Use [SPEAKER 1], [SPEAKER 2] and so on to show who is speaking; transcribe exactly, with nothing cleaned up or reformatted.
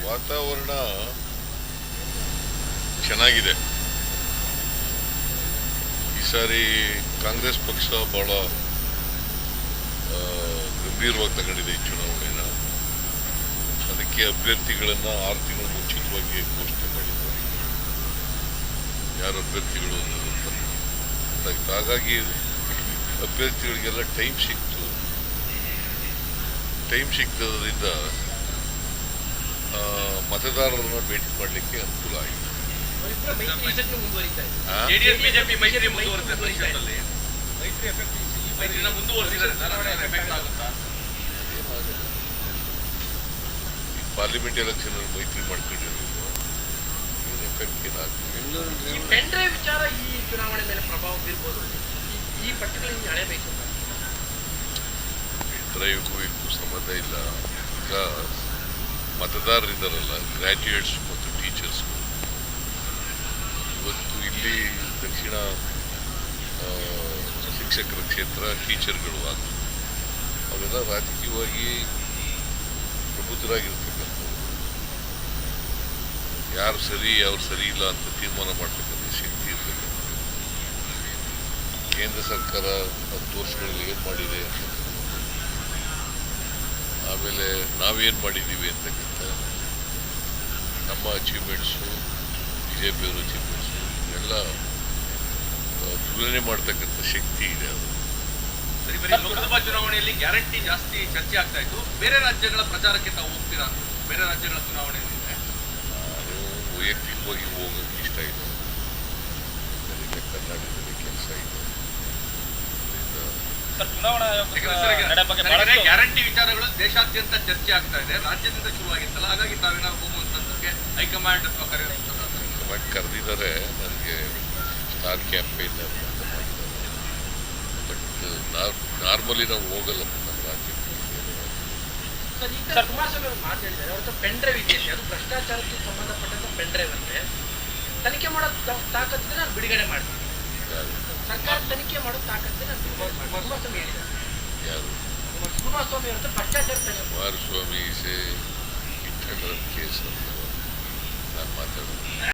[SPEAKER 1] ವಾತಾವರಣ ಚೆನ್ನಾಗಿದೆ. ಈ ಸಾರಿ ಕಾಂಗ್ರೆಸ್ ಪಕ್ಷ ಬಹಳ ಗಂಭೀರವಾಗಿ ತಗೊಂಡಿದೆ ಈ ಚುನಾವಣೆನ. ಅದಕ್ಕೆ ಅಭ್ಯರ್ಥಿಗಳನ್ನ ಆರು ತಿಂಗಳು ಮುಂಚಿತವಾಗಿ ಘೋಷಣೆ ಮಾಡಿದ್ದಾರೆ, ಯಾರು ಅಭ್ಯರ್ಥಿಗಳು ಅನ್ನೋದು ಗೊತ್ತಾಯ್ತು. ಹಾಗಾಗಿ ಅಭ್ಯರ್ಥಿಗಳಿಗೆಲ್ಲ ಟೈಮ್ ಸಿಕ್ತು. ಟೈಮ್ ಸಿಗ್ತದ್ರಿಂದ ಮತದಾರರನ್ನ ಭೇಟಿ ಮಾಡಲಿಕ್ಕೆ ಅನುಕೂಲ ಆಯಿತು. ಪಾರ್ಲಿಮೆಂಟ್ ಎಲೆಕ್ಷನ್ ಮೈತ್ರಿ ಮಾಡ್ಕೊಂಡಿರೋದು ಏನು ಎಫೆಕ್ಟ್ ಏನಾಗ್ತದೆ?
[SPEAKER 2] ಪೆನ್ ಡ್ರೈವ್ ವಿಚಾರ ಈ ಚುನಾವಣೆ ಮೇಲೆ ಪ್ರಭಾವ ಬೀರ್ಬೋದು. ಈ ಪಟ್ಟಿಗಳನ್ನು ಅಳೆಯಬೇಕು.
[SPEAKER 1] ಪೆನ್ ಡ್ರೈವ್ಗೂ ಇದಕ್ಕೂ ಸಂಬಂಧ ಇಲ್ಲ. ಈಗ ಮತದಾರರಿದ್ದಾರಲ್ಲ, ಗ್ರ್ಯಾಜುಯೇಟ್ಸ್ ಮತ್ತು ಟೀಚರ್ಸ್, ಇವತ್ತು ಇಲ್ಲಿ ದಕ್ಷಿಣ ಶಿಕ್ಷಕರ ಕ್ಷೇತ್ರ ಟೀಚರ್ಗಳು ಆಗ್ತದೆ. ಅವೆಲ್ಲ ರಾಜಕೀಯವಾಗಿ ಪ್ರಬುದ್ಧರಾಗಿರ್ತಕ್ಕಂಥವ್ರು. ಯಾರು ಸರಿ ಯಾರು ಸರಿ ಇಲ್ಲ ಅಂತ ತೀರ್ಮಾನ ಮಾಡ್ತಕ್ಕಂಥ ಶಕ್ತಿ ಇರ್ತಕ್ಕಂಥ ಕೇಂದ್ರ ಸರ್ಕಾರ ಹತ್ತು ವರ್ಷಗಳಲ್ಲಿ ಏನು ಮಾಡಿದೆ, ಆಮೇಲೆ ನಾವೇನು ಮಾಡಿದ್ದೀವಿ ಅಂತಕ್ಕಂಥ ನಮ್ಮ ಅಚೀವ್ಮೆಂಟ್ಸು, ಬಿ ಜೆ ಪಿಯವ್ರ ಅಚೀವ್ಮೆಂಟ್ಸು ಎಲ್ಲ ತುಲನೆ ಮಾಡ್ತಕ್ಕಂಥ ಶಕ್ತಿ ಇದೆ. ಅದು
[SPEAKER 3] ಲೋಕಸಭಾ ಚುನಾವಣೆಯಲ್ಲಿ ಗ್ಯಾರಂಟಿ ಜಾಸ್ತಿ ಚರ್ಚೆ ಆಗ್ತಾ ಇತ್ತು. ಬೇರೆ ರಾಜ್ಯಗಳ ಪ್ರಚಾರಕ್ಕೆ ತಾವು ಹೋಗ್ತೀರಾ? ಬೇರೆ ರಾಜ್ಯಗಳ ಚುನಾವಣೆಯಲ್ಲಿ
[SPEAKER 1] ನಾನು ವೈಯಕ್ತಿಕವಾಗಿ ಹೋಗೋಕ್ಕೆ ಇಷ್ಟ ಇಲ್ಲ. ನನಗೆ ಕರ್ನಾಟಕದಲ್ಲಿ ಕೆಲಸ ಇದೆ.
[SPEAKER 3] ಗ್ಯಾರಂಟಿ ವಿಚಾರಗಳು ದೇಶಾದ್ಯಂತ ಚರ್ಚೆ ಆಗ್ತಾ ಇದೆ. ರಾಜ್ಯದಿಂದ ಶುರುವಾಗಿತ್ತಲ್ಲ, ಹಾಗಾಗಿ ತಾವೇನಾದ್ರು ಹೋಗುವಂತದ್ದಕ್ಕೆ ಹೈಕಮಾಂಡ್
[SPEAKER 1] ಹೈಕಮಾಂಡ್ ಕರೆದಿದ್ದಾರೆ. ನನಗೆ ಸ್ಟಾರ್ ಕ್ಯಾಂಪೇನ್ ಅಂತ ಮಾಡಿದ್ದಾರೆ. ಬಟ್ ನಾರ್ಮಲಿ ನಾವು ಹೋಗಲ್ಲ ನಮ್ಮ ರಾಜ್ಯಕ್ಕೆ.
[SPEAKER 2] ಕುಮಾರಸ್ವಾಮಿ ಅವರು ಮಾತಾಡಿದ್ದಾರೆ, ಅವತ್ತು ಪೆನ್ ಡ್ರೈವ್ ಇದೆಯಲ್ಲ, ಅದು ಭ್ರಷ್ಟಾಚಾರಕ್ಕೆ ಸಂಬಂಧಪಟ್ಟಂತ ಪೆನ್ ಡ್ರೈವ್ ಅಂದ್ರೆ ತನಿಖೆ ಮಾಡೋ ತಾಕತ್ತಿದ್ರೆ ನಾನು ಬಿಡುಗಡೆ ಮಾಡ್ತೀನಿ. ಸರ್ಕಾರ ತನಿಖೆ ಮಾಡೋ ತಾಕತ್ತಿದ್ರೆ ನಾನು ಬಿಡುಗಡೆ ಮಾಡ್ತೀನಿ. ಕುಮಾರಸ್ವಾಮಿ ಹೇಳಿದ್ದಾರೆ.
[SPEAKER 1] ಯಾರು?
[SPEAKER 2] ಕುಮಾರಸ್ವಾಮಿ ಅವತ್ತು ಭ್ರಷ್ಟಾಚಾರ
[SPEAKER 1] ಕುಮಾರಸ್ವಾಮಿ ಕೇಸ್ ಅಂತ ನಾನು ಮಾತಾಡೋದು